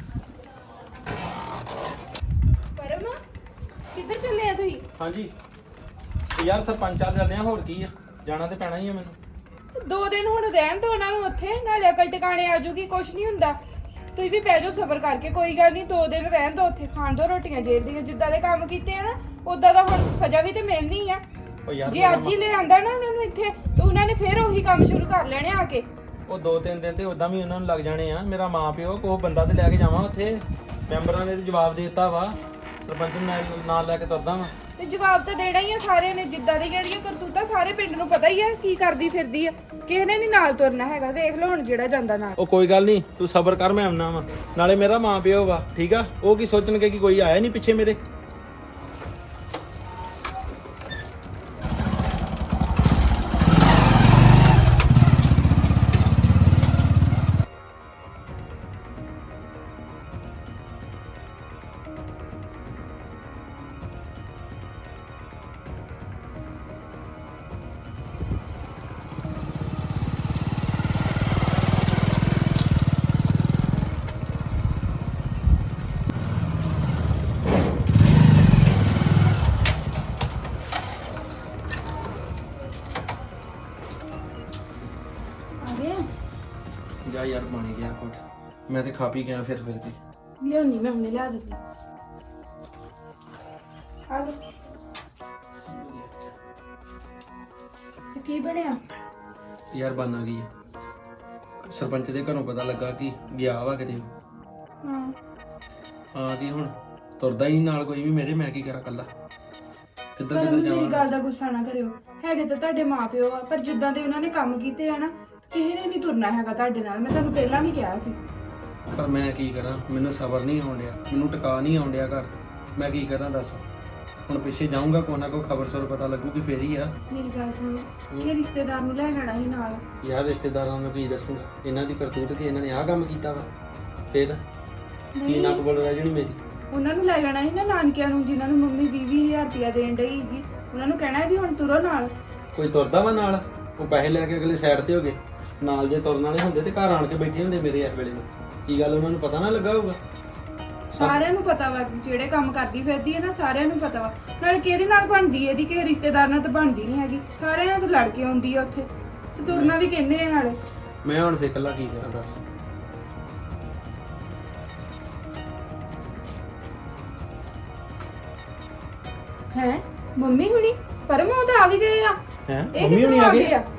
Speaker 4: ਪਰਮ ਕਿੱਧਰ ਚੱਲੇ ਆ ਤੁਸੀਂ
Speaker 3: ਹਾਂਜੀ ਯਾਰ ਸਰਪੰਚ ਆ ਚੱਲਦੇ ਆ ਹੋਰ ਕੀ ਆ ਜਾਣਾ ਤੇ ਪੈਣਾ ਹੀ ਆ ਮੈਨੂੰ
Speaker 4: ਤੇ ਦੋ ਦਿਨ ਹੁਣ ਰਹਿਣ ਦੋ ਉਹਨਾਂ ਨੂੰ ਉੱਥੇ ਨਾਲੇ ਅਕਲ ਟਿਕਾਣੇ ਆ ਜੂਗੀ ਕੁਛ ਨਹੀਂ ਹੁੰਦਾ ਤੁਸੀਂ ਵੀ ਪੈ ਜਾਓ ਸਬਰ ਕਰਕੇ ਕੋਈ ਗੱਲ ਨਹੀਂ ਦੋ ਦਿਨ ਰਹਿਣ ਦੋ ਉੱਥੇ ਖਾਣ ਦੋ ਰੋਟੀਆਂ ਜੇਲ੍ਹ ਦੀਆਂ ਜਿੱਦਾਂ ਦੇ ਕੰਮ ਕੀਤੇ ਆ ਨਾ ਉਦਾਂ ਦਾ ਹੁਣ ਸਜ਼ਾ ਵੀ ਤੇ ਮਿਲਣੀ ਆ।
Speaker 3: ਉਹ ਯਾਰ
Speaker 4: ਜੇ
Speaker 3: ਮੇਰਾ
Speaker 4: ਅੱਜ ਹੀ ਲੈ ਆਂਦਾ ਨਾ ਉਹਨਾਂ ਨੂੰ ਇੱਥੇ ਤੇ ਉਹਨਾਂ ਨੇ ਫੇਰ ਉਹੀ ਕੰਮ ਸ਼ੁਰੂ ਕਰ ਲੈਣੇ ਆ ਕੇ।
Speaker 3: ਉਹ ਦੋ ਤਿੰਨ ਦਿਨ ਤੇ ਉਦਾਂ ਵੀ ਉਹਨਾਂ ਨੂੰ ਲੱਗ ਜਾਣੇ ਆ। ਮੇਰਾ ਮਾਂ ਪਿਓ ਕੋਹ ਬੰਦਾ ਤੇ ਲੈ ਕੇ ਜਾਵਾਂ ਉੱਥੇ, ਮੈਂਬਰਾਂ ਨੇ ਤੇ ਜਵਾਬ ਦੇ ਦਿੱਤਾ ਵਾ, ਸਰਪੰਚ ਨੂੰ ਨਾਲ ਨਾਲ ਲੈ ਕੇ ਤੁਰਦਾ ਵਾ।
Speaker 4: ਤੇ ਜਵਾਬ ਤਾਂ ਦੇਣਾ ਹੀ ਆ ਸਾਰਿਆਂ ਨੇ, ਜਿੱਦਾਂ ਦੀ ਜਿਹੜੀਆਂ ਕਰਤੂਤਾਂ ਸਾਰੇ ਪਿੰਡ ਨੂੰ ਪਤਾ ਹੀ ਆ ਕੀ ਕਰਦੀ ਫਿਰਦੀ ਆ। ਕਿਸੇ ਨੇ ਨਹੀਂ ਨਾਲ ਤੁਰਨਾ ਹੈਗਾ, ਦੇਖ ਲਓ ਹੁਣ ਜਿਹੜਾ ਜਾਂਦਾ ਨਾਲ।
Speaker 3: ਉਹ ਕੋਈ ਗੱਲ ਨਹੀਂ, ਤੂੰ ਸਬਰ ਕਰ, ਮੈਂ ਆਉਣਾ ਵਾ। ਨਾਲੇ ਮੇਰਾ ਮਾਂ ਪਿਓ ਵਾ, ਠੀਕ ਆ, ਉਹ ਕੀ ਸੋਚਣਗੇ ਕਿ ਕੋਈ ਆਇਆ ਨਹੀਂ ਪਿੱਛੇ ਮੇਰੇ। ਜਾ ਯਾਰ ਪਾਣੀ ਗਿਆ ਕੋਟ, ਮੈਂ ਤੇ ਖਾ ਪੀ ਗਿਆ ਫਿਰ ਫਿਰ ਕੇ।
Speaker 4: ਲਿਆਉਣੀ ਮੈਂ ਹੁਣੇ ਲਿਆ ਦਿੰਦੀ। ਆ ਲਓ। ਤੇ ਕੀ ਬਣਿਆ?
Speaker 3: ਯਾਰ ਬਣ ਆ ਗਈ ਆ। ਸਰਪੰਚ ਦੇ ਘਰੋਂ ਪਤਾ ਲੱਗਾ ਕਿ ਗਿਆ ਵਾ ਕਿਤੇ।
Speaker 4: ਹਾਂ
Speaker 3: ਆ ਗਈ ਹੁਣ, ਤੁਰਦਾ ਹੀ ਨਾਲ ਕੋਈ ਵੀ ਮੇਰੇ, ਮੈਂ ਕੀ ਕਰਾਂ ਕੱਲਾ, ਕਿੱਧਰ
Speaker 4: ਪਰ
Speaker 3: ਕਿੱਧਰ
Speaker 4: ਮੇਰੀ
Speaker 3: ਜਾਵਾਂ।
Speaker 4: ਗੱਲ ਦਾ ਗੁੱਸਾ ਨਾ ਕਰਿਓ, ਹੈਗੇ ਤਾਂ ਤੁਹਾਡੇ ਮਾਪਿਓ ਆ, ਪਰ ਜਿੱਦਾਂ ਦੇ ਉਹਨਾਂ ਨੇ ਕੰਮ ਕੀਤੇ ਆ ਨਾ, ਕਿਸੇ ਨੇ ਨਹੀਂ ਤੁਰਨਾ ਹੈਗਾ ਤੁਹਾਡੇ ਨਾਲ। ਮੈਂ ਤੁਹਾਨੂੰ ਪਹਿਲਾਂ ਵੀ ਕਿਹਾ ਸੀ।
Speaker 3: ਪਰ ਮੈਂ ਕੀ ਕਰਾਂ, ਮੈਨੂੰ ਸਬਰ ਨਹੀਂ ਆਉਣ ਡਿਆ, ਮੈਨੂੰ ਟਿਕਾ ਨਹੀਂ ਆਉਣ ਡਿਆ ਘਰ। ਮੈਂ ਕੀ ਕਰਾਂ ਦੱਸ। ਹੁਣ ਪਿੱਛੇ ਜਾਊਂਗਾ, ਕੋਈ ਨਾ ਕੋਈ ਖਬਰ ਸਰ ਪਤਾ ਲੱਗੂਗੀ ਫੇਰ ਹੀ ਆ।
Speaker 4: ਮੇਰੀ ਗੱਲ ਸੁਣੋ, ਇਹ ਰਿਸ਼ਤੇਦਾਰ ਨੂੰ ਲੈ ਜਾਣਾ ਸੀ ਨਾਲ।
Speaker 3: ਯਾਰ ਰਿਸ਼ਤੇਦਾਰਾਂ ਨੂੰ ਕੀ ਦੱਸੂਗਾ ਇਹਨਾਂ ਦੀ ਕਰਤੂਤ ਕਿ ਇਹਨਾਂ ਨੇ ਆਹ ਕੰਮ ਕੀਤਾ ਵਾ, ਫੇਰ ਕੀ
Speaker 4: ਨਹੀਂ,
Speaker 3: ਨੱਕ ਬੋਲ ਰਿਹਾ ਜਿਹੜੀ ਮੇਰੀ।
Speaker 4: ਉਹਨਾਂ ਨੂੰ ਲੈ ਜਾਣਾ ਸੀ ਨਾ ਨਾਨਕਿਆਂ ਨੂੰ, ਜਿਨ੍ਹਾਂ ਨੂੰ ਮੰਮੀ ਵੀਹ ਵੀਹ ਹਜ਼ਾਰ ਰੁਪਇਆ ਦੇਣ ਡਈ ਸੀਗੀ। ਉਹਨਾਂ ਨੂੰ ਕਹਿਣਾ ਵੀ ਹੁਣ ਤੁਰੋ ਨਾਲ।
Speaker 3: ਕੋਈ ਤੁਰਦਾ ਵਾ ਨਾਲ? ਉਹ ਪੈਸੇ ਲੈ ਕੇ ਅਗਲੇ ਸਾਈਡ ਤੇ ਹੋ ਗਏ। ਨਾਲ ਜੇ ਤੁਰਨ ਵਾਲੇ ਹੁੰਦੇ ਤੇ ਘਰ ਆਣ ਕੇ ਬੈਠੇ ਹੁੰਦੇ ਮੇਰੇ ਇਸ ਵੇਲੇ ਨੂੰ। ਕੀ ਗੱਲ ਉਹਨਾਂ ਨੂੰ ਪਤਾ ਨਾ ਲੱਗਾ ਹੋਊਗਾ?
Speaker 4: ਸਾਰਿਆਂ ਨੂੰ ਪਤਾ ਵਾ ਜਿਹੜੇ ਕੰਮ ਕਰਦੀ ਫਿਰਦੀ ਹੈ ਨਾ, ਸਾਰਿਆਂ ਨੂੰ ਪਤਾ ਵਾ। ਨਾਲੇ ਕਿਹਦੇ ਨਾਲ ਬਣਦੀ ਹੈ ਇਹਦੀ, ਕਿਸੇ ਰਿਸ਼ਤੇਦਾਰ ਨਾਲ ਤਾਂ ਬਣਦੀ ਨਹੀਂ ਹੈਗੀ। ਸਾਰਿਆਂ ਨਾਲ ਤਾਂ ਲੜ ਕੇ ਆਉਂਦੀ ਆ ਉੱਥੇ, ਤੇ ਤੁਰਨਾ ਵੀ ਕਹਿੰਦੇ ਆ ਨਾਲੇ।
Speaker 3: ਮੈਂ ਹੁਣ ਫੇਰ ਇਕੱਲਾ ਕੀ ਕਰਾਂ ਦੱਸ।
Speaker 4: ਹੈ ਮੰਮੀ ਹੁਣੀ ਪਰਮ ਉਹ ਤਾਂ ਆ ਵੀ ਗਏ ਆ।
Speaker 3: ਹੈ
Speaker 4: ਇਹ
Speaker 3: ਮੰਮੀ
Speaker 4: ਕਿੱਥੋਂ
Speaker 3: ਹੁਣੀ ਆ ਗਏ?
Speaker 4: ਆ?